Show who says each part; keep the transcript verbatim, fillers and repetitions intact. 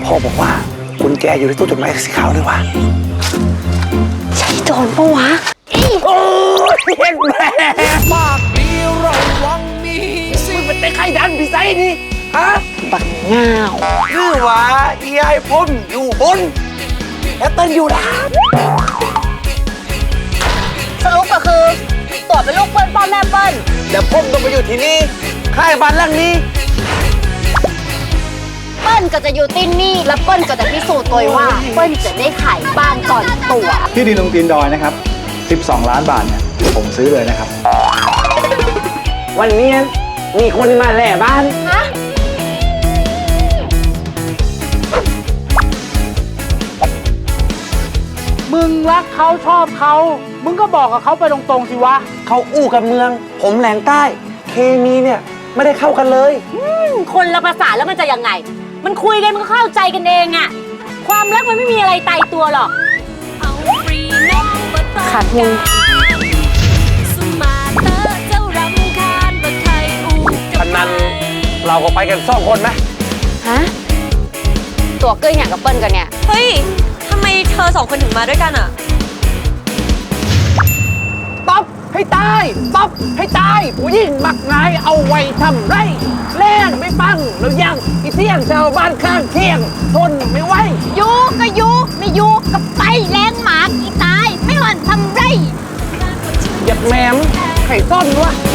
Speaker 1: พ่อบอกว่ากุญแจอยู่ในตู้จดหมายสีขาวเลยวะ
Speaker 2: ใช่โจรปะวะ
Speaker 1: โอ้ยเห็นแม่
Speaker 3: ปากดีระวังมีสิ
Speaker 1: มึงเป็นไข้ดันพี่ไซนี่ฮะ
Speaker 2: บักง่าว
Speaker 1: คือว่าอีไอพ่นอยู่บนแอปเปิลอยู่ล่าง
Speaker 2: สรุปก็คือตัวเป็นลูกเปิ้ลพ่อแม่เปิ้ล
Speaker 1: เดี๋ยวพ่นต้องไปอยู่ที่นี่ค่ายบ้านหลังนี้
Speaker 2: เปิ้ลก็จะอยู่ที่นี่แล้วเปิ้ลก็จะพิสูจน์ตัวว่าเปิ้ลจะได้ขายบ้านก่อนตัว
Speaker 4: ที่ดินตรงตีนดอยนะครับสิบสองล้านบาทเนี่ยผมซื้อเลยนะครับ
Speaker 1: วันนี้มีคนมาแหล่บ้าน
Speaker 2: ฮะ
Speaker 5: มึงรักเขาชอบเขามึงก็บอกกับเขาไปตรงๆสิวะ
Speaker 1: เขาอู้กับเมืองผมแหลงใต้เคมีเนี่ยไม่ได้เข้ากันเลย
Speaker 2: คนละภาษาแล้วมันจะยังไงมันคุยกันมันก็เข้าใจกันเองอะความรักมันไม่มีอะไรตายตัวหรอกขาดทุน
Speaker 1: พนันเราก็ไปกันสองคนไหม
Speaker 2: ฮะตัวเกยอย่างกับเปิ้ลกันเนี่ย
Speaker 6: เฮ้ยทำไมเธอสองคนถึงมาด้วยกันอะ
Speaker 1: ต๊อบให้ตายต๊อบให้ตายผู้หญิงมักง่ายเอาไว้ทำไรแรงไม่ฟังแล้วยังอีเที่ยงชาวบ้านข้างเที่ยงทนไม่ไหว
Speaker 2: ยูก็ยูไม่ยูก็ไปแรงหมาอีตายไม่หวั่นทำไร
Speaker 1: เหยียบแหมมไข่ต้นวะ